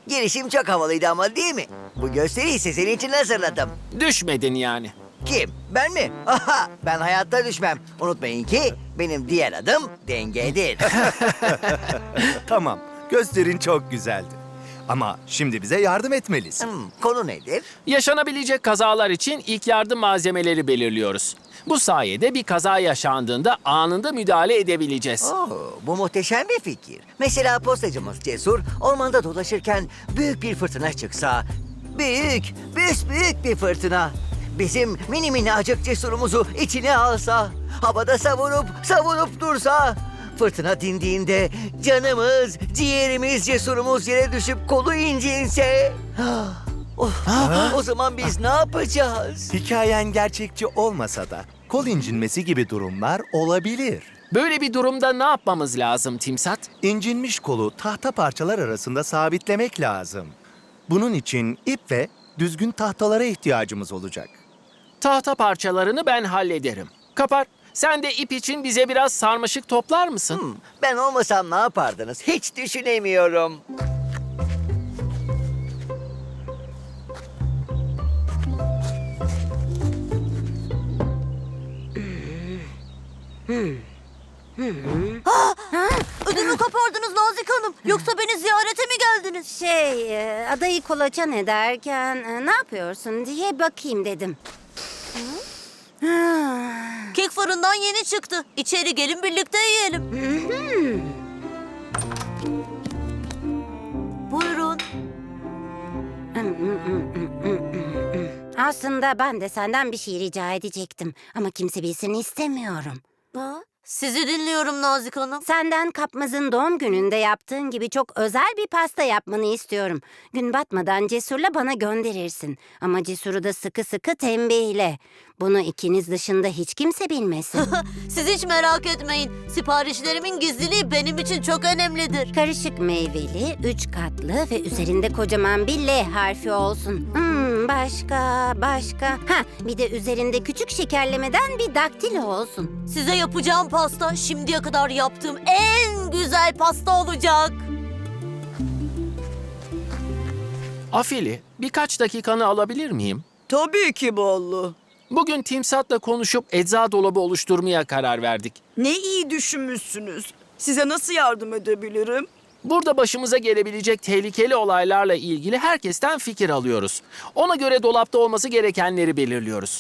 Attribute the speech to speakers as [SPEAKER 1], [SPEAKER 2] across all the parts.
[SPEAKER 1] Girişim çok havalıydı ama değil mi? Bu gösteriyi ise senin için hazırladım.
[SPEAKER 2] Düşmedin yani.
[SPEAKER 1] Kim? Ben mi? Aha, ben hayatta düşmem. Unutmayın ki benim diğer adım dengedir.
[SPEAKER 3] Tamam, gösterin çok güzeldi. Ama şimdi bize yardım etmelisin.
[SPEAKER 1] Konu nedir?
[SPEAKER 2] Yaşanabilecek kazalar için ilk yardım malzemeleri belirliyoruz. Bu sayede bir kaza yaşandığında anında müdahale edebileceğiz.
[SPEAKER 1] Bu muhteşem bir fikir. Mesela postacımız Cesur ormanda dolaşırken büyük bir fırtına çıksa... büyük bir fırtına. Bizim mini minnacık Cesur'umuzu içine alsa... Havada savurup dursa... Fırtına dindiğinde canımız, ciğerimiz, Cesur'umuz yere düşüp kolu incinse... O zaman biz ne yapacağız?
[SPEAKER 3] Hikayen gerçekçi olmasa da kol incinmesi gibi durumlar olabilir.
[SPEAKER 2] Böyle bir durumda ne yapmamız lazım Timsat?
[SPEAKER 3] İncinmiş kolu tahta parçalar arasında sabitlemek lazım. Bunun için ip ve düzgün tahtalara ihtiyacımız olacak.
[SPEAKER 2] Tahta parçalarını ben hallederim. Kapar, sen de ip için bize biraz sarmaşık toplar mısın?
[SPEAKER 1] Ben olmasam ne yapardınız? Hiç düşünemiyorum.
[SPEAKER 4] Ödümü kopardınız Nazik Hanım. Yoksa beni ziyarete mi geldiniz?
[SPEAKER 5] Adayı kolaçan ederken ne yapıyorsun diye bakayım dedim.
[SPEAKER 4] Kek fırından yeni çıktı. İçeri gelin birlikte yiyelim. Buyurun.
[SPEAKER 5] Aslında ben de senden bir şey rica edecektim. Ama kimse bilsin istemiyorum.
[SPEAKER 4] Sizi dinliyorum Nazik Hanım.
[SPEAKER 5] Senden Kapmaz'ın doğum gününde yaptığın gibi çok özel bir pasta yapmanı istiyorum. Gün batmadan Cesur'la bana gönderirsin. Ama Cesur'u da sıkı sıkı tembihle. Bunu ikiniz dışında hiç kimse bilmesin.
[SPEAKER 4] Siz hiç merak etmeyin. Siparişlerimin gizliliği benim için çok önemlidir.
[SPEAKER 5] Karışık meyveli, 3 katlı ve üzerinde kocaman bir L harfi olsun. Başka. Bir de üzerinde küçük şekerlemeden bir daktilo olsun.
[SPEAKER 4] Size yapacağım pasta şimdiye kadar yaptığım en güzel pasta olacak.
[SPEAKER 2] Afili, birkaç dakikanı alabilir miyim?
[SPEAKER 6] Tabii ki Ballı.
[SPEAKER 2] Bugün Timsat'la konuşup ecza dolabı oluşturmaya karar verdik.
[SPEAKER 6] Ne iyi düşünmüşsünüz. Size nasıl yardım edebilirim?
[SPEAKER 2] Burada başımıza gelebilecek tehlikeli olaylarla ilgili herkesten fikir alıyoruz. Ona göre dolapta olması gerekenleri belirliyoruz.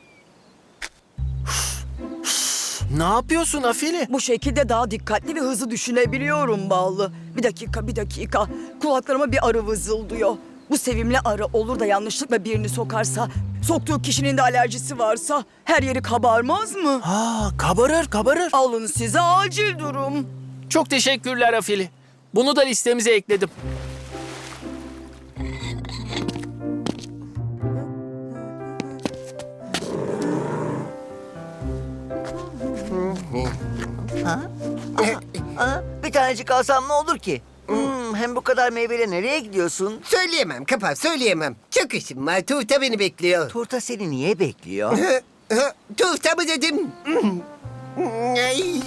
[SPEAKER 2] Ne yapıyorsun Afili?
[SPEAKER 6] Bu şekilde daha dikkatli ve hızlı düşünebiliyorum Ballı. Bir dakika. Kulaklarıma bir arı vızıldıyor. Bu sevimli arı olur da yanlışlıkla birini sokarsa, soktuğu kişinin de alerjisi varsa her yeri kabarmaz mı?
[SPEAKER 2] Kabarır.
[SPEAKER 6] Alın size acil durum.
[SPEAKER 2] Çok teşekkürler Afili. Bunu da listemize ekledim.
[SPEAKER 1] Bir tanecik alsam ne olur ki? Hem bu kadar meyveyle nereye gidiyorsun?
[SPEAKER 7] Söyleyemem Kapar, söyleyemem. Çok işim var. Tuğta beni bekliyor.
[SPEAKER 1] Turta seni niye bekliyor?
[SPEAKER 7] Tuğta mı dedim? Ay.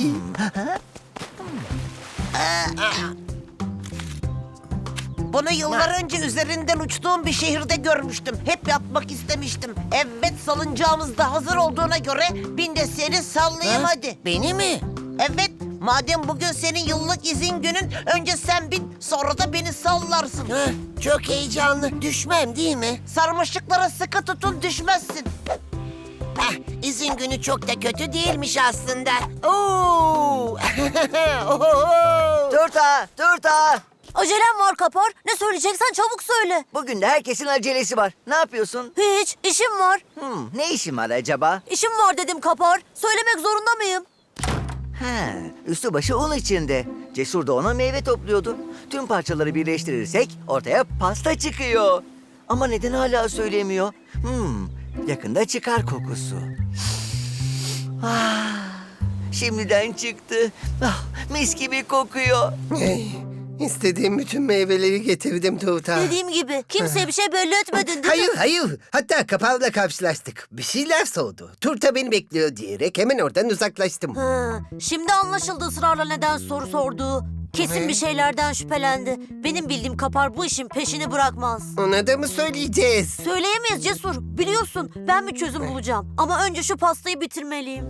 [SPEAKER 8] Bunu yıllar önce üzerinden uçtuğum bir şehirde görmüştüm. Hep yapmak istemiştim. Evet, salıncağımız da hazır olduğuna göre bin de seni sallayayım hadi.
[SPEAKER 7] Beni mi?
[SPEAKER 8] Evet, madem bugün senin yıllık izin günün, önce sen bin, sonra da beni sallarsın.
[SPEAKER 7] Çok heyecanlı. Düşmem değil mi?
[SPEAKER 8] Sarmaşıklara sıkı tutun, düşmezsin.
[SPEAKER 7] İzin günü çok da kötü değilmiş aslında. Oo! Oho!
[SPEAKER 1] Turta!
[SPEAKER 4] Acelem var Kapar. Ne söyleyeceksen çabuk söyle.
[SPEAKER 1] Bugün de herkesin acelesi var. Ne yapıyorsun?
[SPEAKER 4] Hiç, işim var.
[SPEAKER 1] Ne işin var acaba?
[SPEAKER 4] İşim var dedim Kapar. Söylemek zorunda mıyım?
[SPEAKER 1] Üstü başı un içinde. Cesur da ona meyve topluyordu. Tüm parçaları birleştirirsek ortaya pasta çıkıyor. Ama neden hala söylemiyor? Yakında çıkar kokusu. Şimdiden çıktı. Mis gibi kokuyor.
[SPEAKER 7] İstediğim bütün meyveleri getirdim Tuğta.
[SPEAKER 4] Dediğim gibi kimseye bir şey belli etmedin değil mi?
[SPEAKER 7] Hayır. Hatta Kapal'la karşılaştık. Bir şeyler sordu. Turta beni bekliyor diyerek hemen oradan uzaklaştım.
[SPEAKER 4] Şimdi anlaşıldı ısrarla neden soru sorduğu. Kesin bir şeylerden şüphelendi. Benim bildiğim Kapar bu işin peşini bırakmaz.
[SPEAKER 7] Ona da mı söyleyeceğiz?
[SPEAKER 4] Söyleyemeyiz Cesur. Biliyorsun ben bir çözüm bulacağım. Ama önce şu pastayı bitirmeliyim.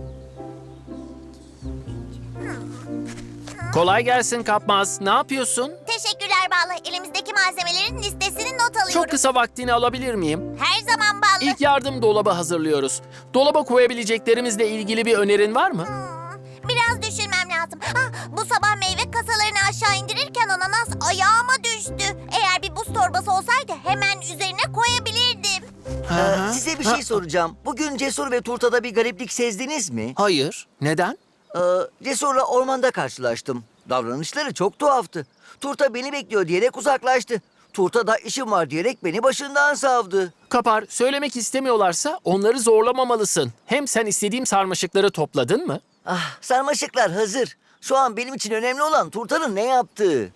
[SPEAKER 2] Kolay gelsin Kapmaz. Ne yapıyorsun?
[SPEAKER 9] Teşekkürler Ballı. Elimizdeki malzemelerin listesini not alıyorum.
[SPEAKER 2] Çok kısa vaktini alabilir miyim?
[SPEAKER 9] Her zaman Ballı.
[SPEAKER 2] İlk yardım dolabı hazırlıyoruz. Dolaba koyabileceklerimizle ilgili bir önerin var mı?
[SPEAKER 9] Biraz düşünmem lazım. Bu sabah meyve kasalarını aşağı indirirken ananas ayağıma düştü. Eğer bir buz torbası olsaydı hemen üzerine koyabilirdim.
[SPEAKER 1] Size bir şey soracağım. Bugün Cesur ve Turta'da bir gariplik sezdiniz mi?
[SPEAKER 2] Hayır. Neden?
[SPEAKER 1] Cesur'la ormanda karşılaştım. Davranışları çok tuhaftı. Turta beni bekliyor diyerek uzaklaştı. Turta da işim var diyerek beni başından savdı.
[SPEAKER 2] Kapar, söylemek istemiyorlarsa onları zorlamamalısın. Hem sen istediğim sarmaşıkları topladın mı?
[SPEAKER 1] Sarmaşıklar hazır. Şu an benim için önemli olan Turta'nın ne yaptığı.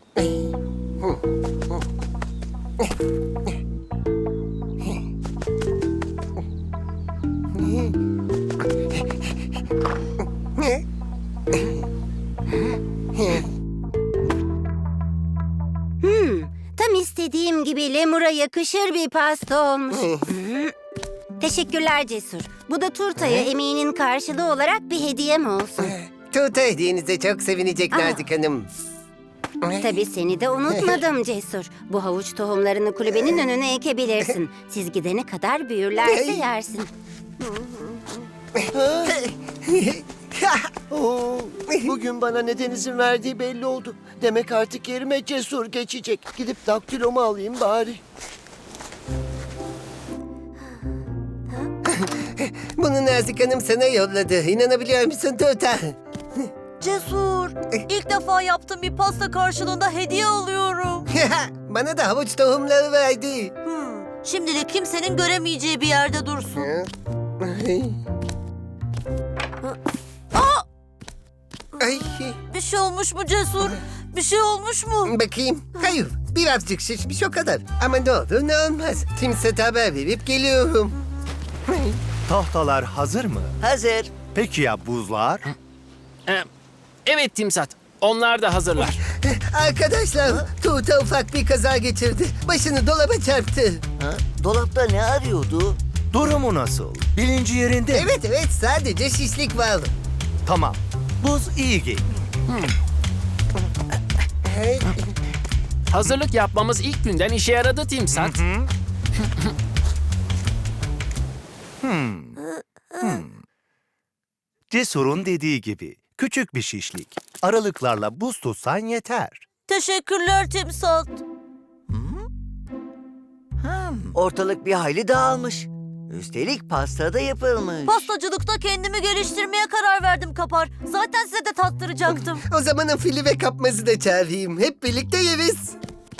[SPEAKER 5] Tam istediğim gibi lemura yakışır bir pasta olmuş. Teşekkürler Cesur. Bu da turtaya emeğinin karşılığı olarak bir hediyem olsun.
[SPEAKER 7] Tuğta hediyenize çok sevinecek Nazik Hanım.
[SPEAKER 5] Tabii seni de unutmadım Cesur. Bu havuç tohumlarını kulübenin önüne ekebilirsin. Siz gidene kadar büyürlerse yersin.
[SPEAKER 10] Bugün bana neden izin verdiği belli oldu. Demek artık yerime Cesur geçecek. Gidip daktilomu alayım bari.
[SPEAKER 7] Bunu Nazik Hanım sana yolladı. İnanabiliyor musun Tuğta?
[SPEAKER 4] Cesur, ilk defa yaptığım bir pasta karşılığında hediye alıyorum.
[SPEAKER 7] Bana da havuç tohumları verdi.
[SPEAKER 4] Şimdilik kimsenin göremeyeceği bir yerde dursun.
[SPEAKER 7] Ay,
[SPEAKER 4] Bir şey olmuş mu Cesur? Bir şey olmuş mu?
[SPEAKER 7] bakayım. Hayır, birazcık şişmiş o kadar. Ama ne olur ne olmaz. Timsat'a haber verip geliyorum.
[SPEAKER 3] Tahtalar hazır mı?
[SPEAKER 1] Hazır.
[SPEAKER 3] Peki ya buzlar?
[SPEAKER 2] Evet Timsat, onlar da hazırlar.
[SPEAKER 7] Arkadaşlar, Tuğta ufak bir kaza geçirdi. Başını dolaba çarptı.
[SPEAKER 1] Dolapta ne arıyordu?
[SPEAKER 3] Durumu nasıl? Bilinci yerinde mi?
[SPEAKER 7] Evet, sadece şişlik var.
[SPEAKER 3] Tamam. Buz iyi geliyor.
[SPEAKER 2] Hazırlık yapmamız ilk günden işe yaradı Timsat.
[SPEAKER 3] Cesur'un dediği gibi küçük bir şişlik. Aralıklarla buz tutsan yeter.
[SPEAKER 4] Teşekkürler Timsat.
[SPEAKER 1] Ortalık bir hayli dağılmış. Üstelik pasta da yapılmış.
[SPEAKER 4] Pastacılıkta kendimi geliştirmeye karar verdim Kapar. Zaten size de tattıracaktım.
[SPEAKER 7] O zaman fili ve kapmazı da çağırayım. Hep birlikte yeriz.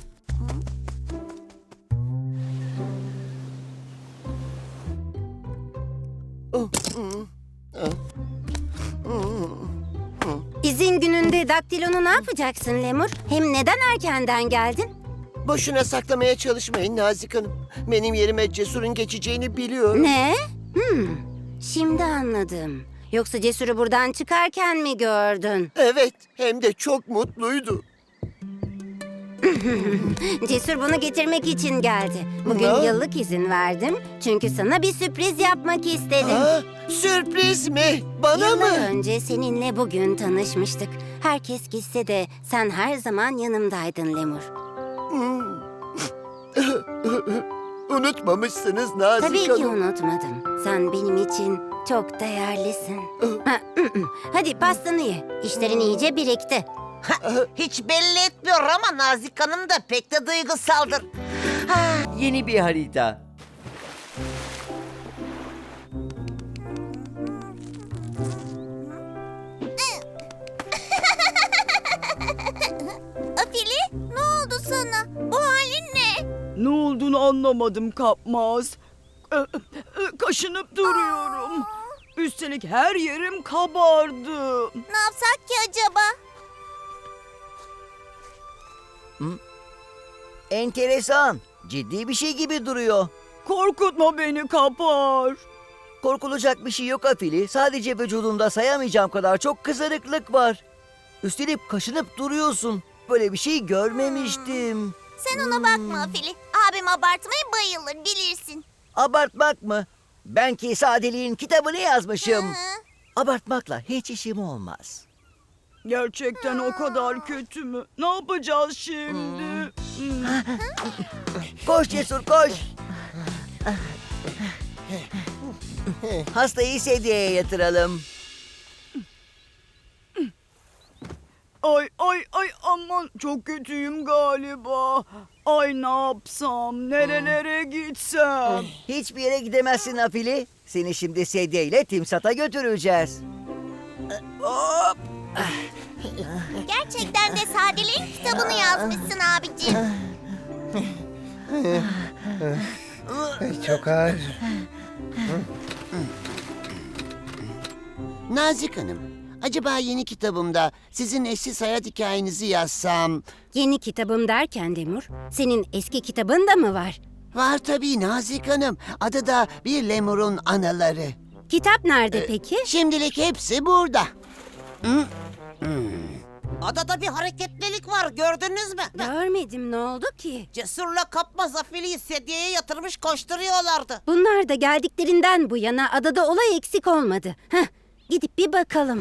[SPEAKER 5] İzin gününde daktilonu ne yapacaksın Lemur? Hem neden erkenden geldin?
[SPEAKER 10] Boşuna saklamaya çalışmayın Nazik Hanım. Benim yerime Cesur'un geçeceğini biliyorum.
[SPEAKER 5] Ne? Şimdi anladım. Yoksa Cesur'u buradan çıkarken mi gördün?
[SPEAKER 10] Evet, hem de çok mutluydu.
[SPEAKER 5] Cesur bunu getirmek için geldi. Bugün
[SPEAKER 10] Ha?
[SPEAKER 5] yıllık izin verdim. Çünkü sana bir sürpriz yapmak istedim.
[SPEAKER 10] Sürpriz mi? Bana
[SPEAKER 5] Yıllar
[SPEAKER 10] mı?
[SPEAKER 5] önce seninle bugün tanışmıştık. Herkes gitse de sen her zaman yanımdaydın Lemur.
[SPEAKER 10] Unutmamışsınız Nazik
[SPEAKER 5] Tabii ki
[SPEAKER 10] Hanım.
[SPEAKER 5] unutmadım. Sen benim için çok değerlisin. Hadi pastanı ye. İşlerin iyice birikti.
[SPEAKER 8] Hiç belli etmiyor ama Nazik Hanım da pek de duygusaldır.
[SPEAKER 1] Yeni bir harita.
[SPEAKER 9] Afili, ne oldu sana? Bu halin ne?
[SPEAKER 6] Ne olduğunu anlamadım Kapmaz. Kaşınıp duruyorum. Üstelik her yerim kabardı.
[SPEAKER 9] Ne yapsak ki acaba?
[SPEAKER 1] Enteresan. Ciddi bir şey gibi duruyor.
[SPEAKER 6] Korkutma beni Kapar.
[SPEAKER 1] Korkulacak bir şey yok Afili. Sadece vücudunda sayamayacağım kadar çok kızarıklık var. Üstelik kaşınıp duruyorsun. hiç böyle bir şey görmemiştim.
[SPEAKER 9] Sen ona bakma Afili. Abim abartmaya bayılır bilirsin.
[SPEAKER 1] Abartmak mı? Ben ki sadeliğin kitabını yazmışım.
[SPEAKER 9] Hı.
[SPEAKER 1] Abartmakla hiç işim olmaz.
[SPEAKER 6] Gerçekten o kadar kötü mü? Ne yapacağız şimdi?
[SPEAKER 1] Koş Cesur koş. Hastayı sedyeye yatıralım.
[SPEAKER 6] Ay aman çok kötüyüm galiba. Ay ne yapsam, nerelere gitsem?
[SPEAKER 1] Hiçbir yere gidemezsin Afili. Seni şimdi sedyeyle Timsat'a götüreceğiz. Hop.
[SPEAKER 9] Gerçekten de sadeliğin kitabını yazmışsın abicim.
[SPEAKER 7] Çok ağır.
[SPEAKER 10] Nazik Hanım, acaba yeni kitabımda sizin eşsiz hayat hikayenizi yazsam...
[SPEAKER 5] Yeni kitabım derken Lemur, senin eski kitabın da mı var?
[SPEAKER 10] Var tabii Nazik Hanım. Adı da Bir Lemur'un Anaları.
[SPEAKER 5] Kitap nerede peki?
[SPEAKER 10] Şimdilik hepsi burada.
[SPEAKER 8] Adada bir hareketlilik var, gördünüz mü?
[SPEAKER 5] Görmedim, ne oldu ki?
[SPEAKER 8] Cesurla Kapmaz Afili'yi sedyeye yatırmış koşturuyorlardı.
[SPEAKER 5] Bunlar da geldiklerinden bu yana adada olay eksik olmadı. Heh, gidip bir bakalım.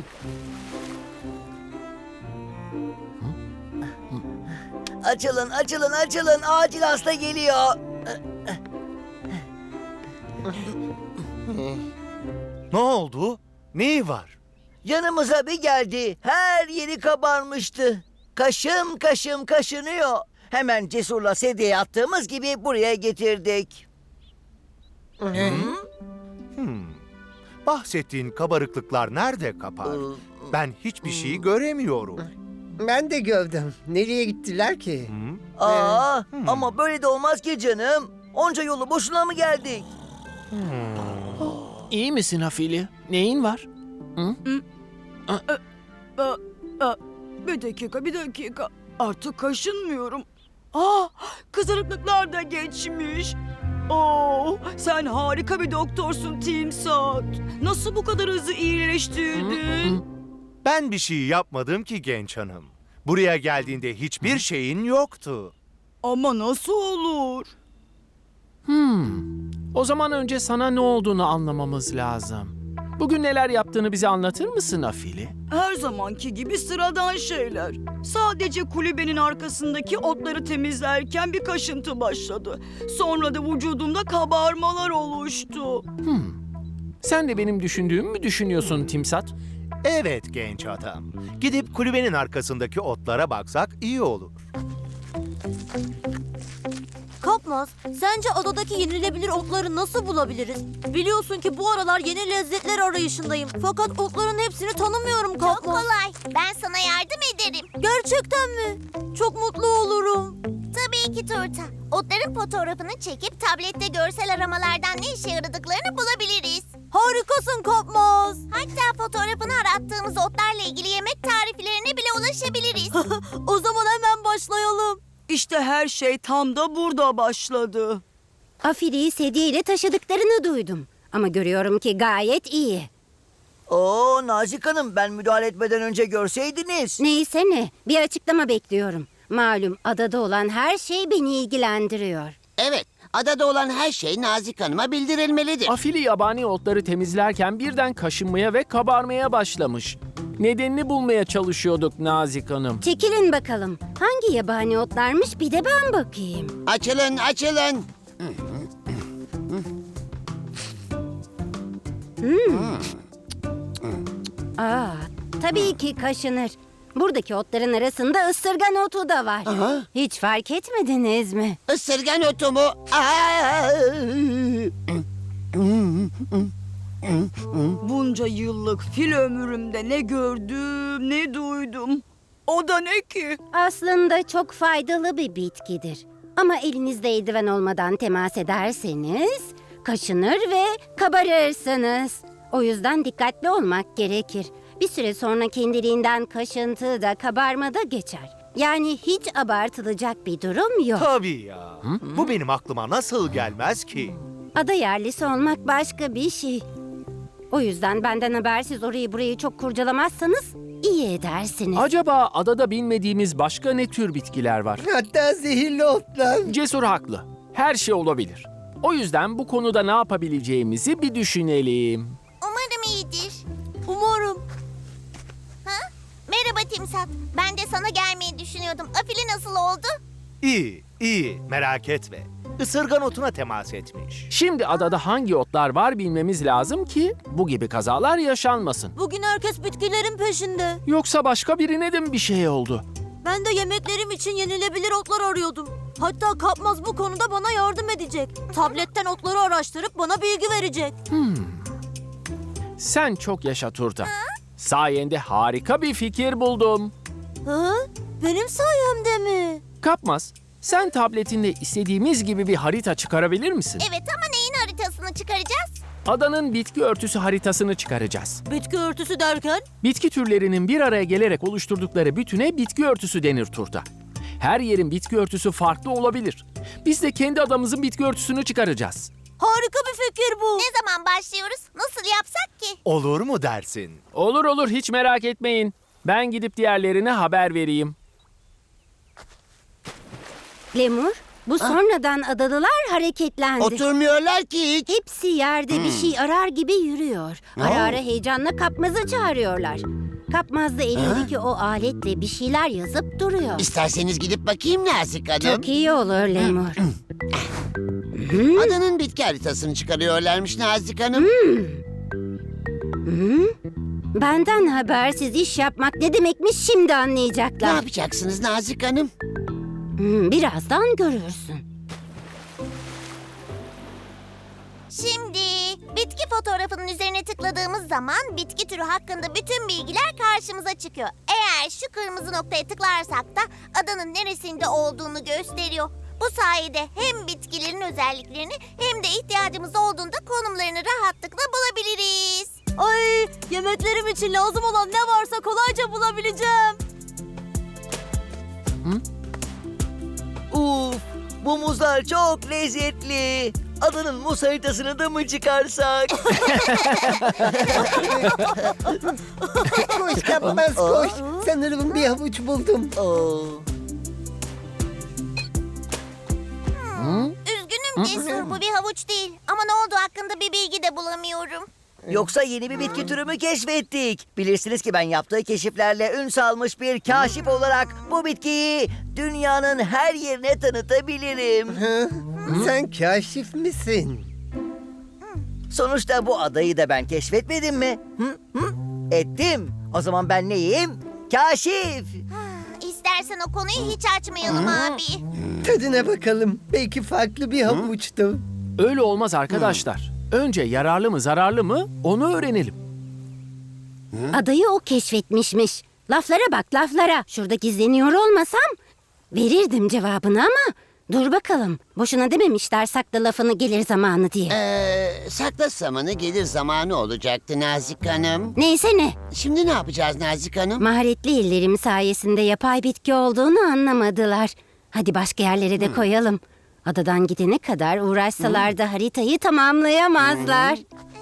[SPEAKER 1] Açılın, açılın, açılın. Acil hasta geliyor.
[SPEAKER 3] Ne oldu? Neyi var?
[SPEAKER 1] Yanımıza bir geldi. Her yeri kabarmıştı. Kaşım kaşım kaşınıyor. Hemen Cesur'la sedyeye attığımız gibi buraya getirdik.
[SPEAKER 3] Bahsettiğin kabarıklıklar nerede kapar? Ben hiçbir şey göremiyorum.
[SPEAKER 7] Ben de gördüm. Nereye gittiler ki?
[SPEAKER 1] Aa, ama böyle de olmaz ki canım. Onca yolu boşuna mı geldik?
[SPEAKER 2] İyi misin Afili? Neyin var?
[SPEAKER 6] Bir dakika. Artık kaşınmıyorum. Kızarıklıklar da geçmiş. Sen harika bir doktorsun Timsat. Nasıl bu kadar hızlı iyileştirdin?
[SPEAKER 3] Ben bir şey yapmadım ki genç hanım. Buraya geldiğinde hiçbir şeyin yoktu.
[SPEAKER 6] Ama nasıl olur?
[SPEAKER 2] O zaman önce sana ne olduğunu anlamamız lazım. Bugün neler yaptığını bize anlatır mısın Afili?
[SPEAKER 6] Her zamanki gibi sıradan şeyler. Sadece kulübenin arkasındaki otları temizlerken bir kaşıntı başladı. Sonra da vücudumda kabarmalar oluştu.
[SPEAKER 2] Sen de benim düşündüğümü mü düşünüyorsun Timsat?
[SPEAKER 3] Evet genç adam. Gidip kulübenin arkasındaki otlara baksak iyi olur.
[SPEAKER 4] Kapmaz, sence adadaki yenilebilir otları nasıl bulabiliriz? Biliyorsun ki bu aralar yeni lezzetler arayışındayım. Fakat otların hepsini tanımıyorum
[SPEAKER 9] Çok
[SPEAKER 4] Kapmaz.
[SPEAKER 9] kolay. Ben sana yardım ederim.
[SPEAKER 4] Gerçekten mi? Çok mutlu olurum.
[SPEAKER 9] Tabii ki Turta. Otların fotoğrafını çekip tablette görsel aramalardan ne işe yaradıklarını bulabiliriz.
[SPEAKER 4] Harikasın Kapmaz.
[SPEAKER 9] Hatta fotoğrafını arattığımız otlarla ilgili yemek tariflerine bile ulaşabiliriz.
[SPEAKER 4] O zaman hemen başlayalım.
[SPEAKER 6] İşte her şey tam da burada başladı.
[SPEAKER 5] Afili'yi sedyeyle taşıdıklarını duydum. Ama görüyorum ki gayet iyi.
[SPEAKER 1] Oo Nazik Hanım, ben müdahale etmeden önce görseydiniz.
[SPEAKER 5] Neyse ne, bir açıklama bekliyorum. Malum adada olan her şey beni ilgilendiriyor.
[SPEAKER 10] Evet, adada olan her şey Nazik Hanım'a bildirilmelidir.
[SPEAKER 2] Afili yabani otları temizlerken birden kaşınmaya ve kabarmaya başlamış. Nedenini bulmaya çalışıyorduk Nazik Hanım.
[SPEAKER 5] Çekilin bakalım. Hangi yabani otlarmış bir de ben bakayım.
[SPEAKER 10] Açılın, açılın.
[SPEAKER 5] Tabii ki kaşınır. Buradaki otların arasında ısırgan otu da var. Hiç fark etmediniz mi?
[SPEAKER 10] Isırgan otu mu?
[SPEAKER 6] Bunca yıllık fil ömrümde ne gördüm ne duydum. O da ne ki?
[SPEAKER 5] Aslında çok faydalı bir bitkidir. Ama elinizde eldiven olmadan temas ederseniz kaşınır ve kabarırsınız. O yüzden dikkatli olmak gerekir. Bir süre sonra kendiliğinden kaşıntı da kabarma da geçer. Yani hiç abartılacak bir durum yok.
[SPEAKER 3] Tabii ya. Bu benim aklıma nasıl gelmez ki?
[SPEAKER 5] Ada yerlisi olmak başka bir şey. O yüzden benden habersiz orayı burayı çok kurcalamazsanız iyi edersiniz.
[SPEAKER 2] Acaba adada bilmediğimiz başka ne tür bitkiler var?
[SPEAKER 7] Hatta zehirli otlar.
[SPEAKER 2] Cesur haklı. Her şey olabilir. O yüzden bu konuda ne yapabileceğimizi bir düşünelim.
[SPEAKER 9] Umarım iyidir.
[SPEAKER 4] Umarım.
[SPEAKER 9] Ha? Merhaba Timsat. Ben de sana gelmeyi düşünüyordum. Afili nasıl oldu?
[SPEAKER 3] İyi, iyi. Merak etme. Isırgan otuna temas etmiş.
[SPEAKER 2] Şimdi adada hangi otlar var bilmemiz lazım ki bu gibi kazalar yaşanmasın.
[SPEAKER 4] Bugün herkes bitkilerin peşinde.
[SPEAKER 2] Yoksa başka birine de mi bir şey oldu?
[SPEAKER 4] Ben de yemeklerim için yenilebilir otlar arıyordum. Hatta Kapmaz bu konuda bana yardım edecek. Tabletten otları araştırıp bana bilgi verecek.
[SPEAKER 2] Sen çok yaşa Turta. Sayende harika bir fikir buldum.
[SPEAKER 4] Ha? Benim sayemde mi?
[SPEAKER 2] Kapmaz, sen tabletinde istediğimiz gibi bir harita çıkarabilir misin?
[SPEAKER 9] Evet ama neyin haritasını çıkaracağız?
[SPEAKER 2] Adanın bitki örtüsü haritasını çıkaracağız.
[SPEAKER 4] Bitki örtüsü derken?
[SPEAKER 2] Bitki türlerinin bir araya gelerek oluşturdukları bütüne bitki örtüsü denir Turta. Her yerin bitki örtüsü farklı olabilir. Biz de kendi adamızın bitki örtüsünü çıkaracağız.
[SPEAKER 4] Harika bir fikir bu.
[SPEAKER 9] Ne zaman başlıyoruz? Nasıl yapsak ki?
[SPEAKER 3] Olur mu dersin?
[SPEAKER 2] Olur olur, hiç merak etmeyin. Ben gidip diğerlerine haber vereyim.
[SPEAKER 5] Lemur, bu sonradan adalılar hareketlendi.
[SPEAKER 10] Oturmuyorlar ki hiç.
[SPEAKER 5] Hepsi yerde bir şey arar gibi yürüyor. Ara ara heyecanla Kapmaz'ı çağırıyorlar. Kapmaz da elindeki o aletle bir şeyler yazıp duruyor.
[SPEAKER 10] İsterseniz gidip bakayım Nazik Hanım.
[SPEAKER 5] Çok iyi olur Lemur.
[SPEAKER 10] Adanın bitki haritasını çıkarıyorlarmış Nazik Hanım.
[SPEAKER 5] Benden habersiz iş yapmak ne demekmiş şimdi
[SPEAKER 10] Ne
[SPEAKER 5] anlayacaklar.
[SPEAKER 10] yapacaksınız Nazik Hanım?
[SPEAKER 5] Birazdan görürsün.
[SPEAKER 9] Şimdi bitki fotoğrafının üzerine tıkladığımız zaman bitki türü hakkında bütün bilgiler karşımıza çıkıyor. Eğer şu kırmızı noktaya tıklarsak da adanın neresinde olduğunu gösteriyor. Bu sayede hem bitkilerin özelliklerini hem de ihtiyacımız olduğunda konumlarını rahatlıkla bulabiliriz.
[SPEAKER 4] Ay, yemeklerim için lazım olan ne varsa kolayca bulabileceğim.
[SPEAKER 1] Uf, bu muzlar çok lezzetli. Adanın muz haritasını da mı çıkarsak?
[SPEAKER 7] Koş Kapmaz koş. Sanırım bir havuç buldum.
[SPEAKER 9] Üzgünüm Cesur, bu bir havuç değil. Ama ne olduğu hakkında bir bilgi de bulamıyorum.
[SPEAKER 1] Yoksa yeni bir bitki türü mü keşfettik? Bilirsiniz ki ben yaptığı keşiflerle ün salmış bir kaşif olarak bu bitkiyi dünyanın her yerine tanıtabilirim.
[SPEAKER 7] Sen kaşif misin?
[SPEAKER 1] Sonuçta bu adayı da ben keşfetmedim mi? Ettim. O zaman ben neyim? Kaşif.
[SPEAKER 9] İstersen o konuyu hiç açmayalım abi.
[SPEAKER 7] Tadına bakalım. Belki farklı bir havuçtu.
[SPEAKER 2] Öyle olmaz arkadaşlar. Önce yararlı mı zararlı mı onu öğrenelim.
[SPEAKER 5] Adayı o keşfetmişmiş. Laflara bak laflara. Şurada gizleniyor olmasam verirdim cevabını ama dur bakalım. Boşuna dememişler sakla lafını gelir zamanı diye.
[SPEAKER 10] Sakla zamanı gelir zamanı olacaktı Nazik Hanım.
[SPEAKER 5] Neyse ne.
[SPEAKER 10] Şimdi ne yapacağız Nazik Hanım?
[SPEAKER 5] Maharetli ellerim sayesinde yapay bitki olduğunu anlamadılar. Hadi başka yerlere de koyalım. Adadan gidene kadar uğraşsalar da haritayı tamamlayamazlar.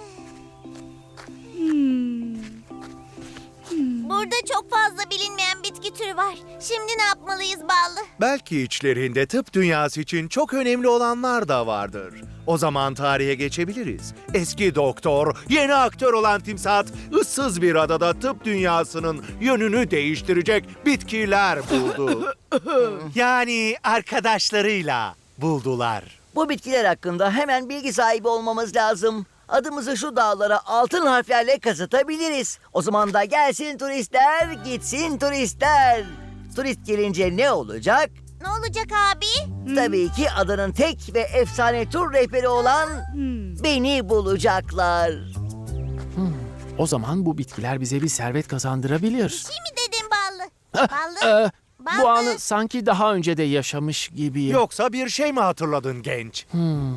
[SPEAKER 9] Burada çok fazla bilinmeyen bitki türü var. Şimdi ne yapmalıyız Ballı?
[SPEAKER 3] Belki içlerinde tıp dünyası için çok önemli olanlar da vardır. O zaman tarihe geçebiliriz. Eski doktor, yeni aktör olan Timsat, ıssız bir adada tıp dünyasının yönünü değiştirecek bitkiler buldu. Yani arkadaşlarıyla buldular.
[SPEAKER 1] Bu bitkiler hakkında hemen bilgi sahibi olmamız lazım. Adımızı şu dağlara altın harflerle kazıtabiliriz. O zaman da gelsin turistler, gitsin turistler. Turist gelince ne olacak?
[SPEAKER 9] Ne olacak abi?
[SPEAKER 1] Tabii ki adanın tek ve efsane tur rehberi olan beni bulacaklar.
[SPEAKER 2] O zaman bu bitkiler bize bir servet kazandırabilir.
[SPEAKER 9] Şey mi dedin Ballı? Ballı?
[SPEAKER 2] Bu
[SPEAKER 9] Ballı?
[SPEAKER 2] anı sanki daha önce de yaşamış gibiyim.
[SPEAKER 3] Yoksa bir şey mi hatırladın genç?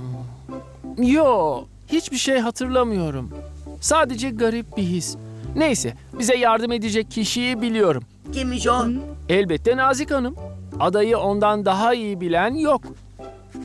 [SPEAKER 2] Yo, hiçbir şey hatırlamıyorum. Sadece garip bir his. Neyse, bize yardım edecek kişiyi biliyorum.
[SPEAKER 1] Kimmiş o?
[SPEAKER 2] Elbette Nazik Hanım. Adayı ondan daha iyi bilen yok.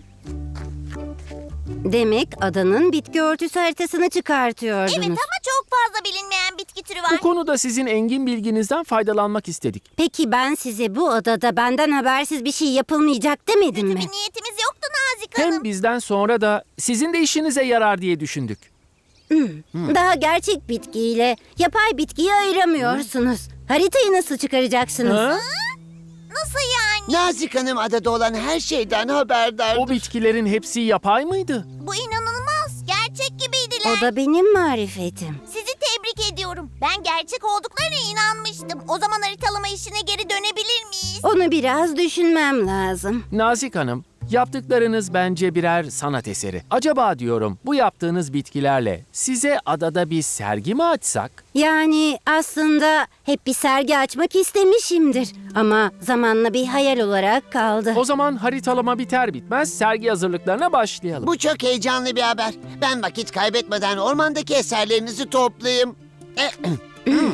[SPEAKER 5] Demek adanın bitki örtüsü haritasını çıkartıyordunuz.
[SPEAKER 9] Evet ama çok fazla bilinmeyen bitki türü var.
[SPEAKER 2] Bu konuda sizin engin bilginizden faydalanmak istedik.
[SPEAKER 5] Peki ben size bu odada benden habersiz bir şey yapılmayacak demedim mi?
[SPEAKER 9] Bir niyetimiz yoktu Nazik Hanım.
[SPEAKER 2] Hem bizden sonra da sizin de işinize yarar diye düşündük.
[SPEAKER 5] Daha gerçek bitkiyle yapay bitkiyi ayıramıyorsunuz. Haritayı nasıl çıkaracaksınız?
[SPEAKER 2] Ha?
[SPEAKER 9] Nasıl yani?
[SPEAKER 10] Nazik Hanım adada olan her şeyden haberdar.
[SPEAKER 2] O bitkilerin hepsi yapay mıydı?
[SPEAKER 9] Bu inanılmaz. Gerçek gibiydiler.
[SPEAKER 5] O da benim marifetim.
[SPEAKER 9] Sizi tebrik ediyorum. Ben gerçek olduklarına inanmıştım. O zaman haritalama işine geri dönebilir miyiz?
[SPEAKER 5] Onu biraz düşünmem lazım.
[SPEAKER 2] Nazik Hanım, yaptıklarınız bence birer sanat eseri. Acaba diyorum bu yaptığınız bitkilerle size adada bir sergi mi açsak?
[SPEAKER 5] Yani aslında hep bir sergi açmak istemişimdir. Ama zamanla bir hayal olarak kaldı.
[SPEAKER 2] O zaman haritalama biter bitmez sergi hazırlıklarına başlayalım.
[SPEAKER 10] Bu çok heyecanlı bir haber. Ben vakit kaybetmeden ormandaki eserlerinizi toplayayım.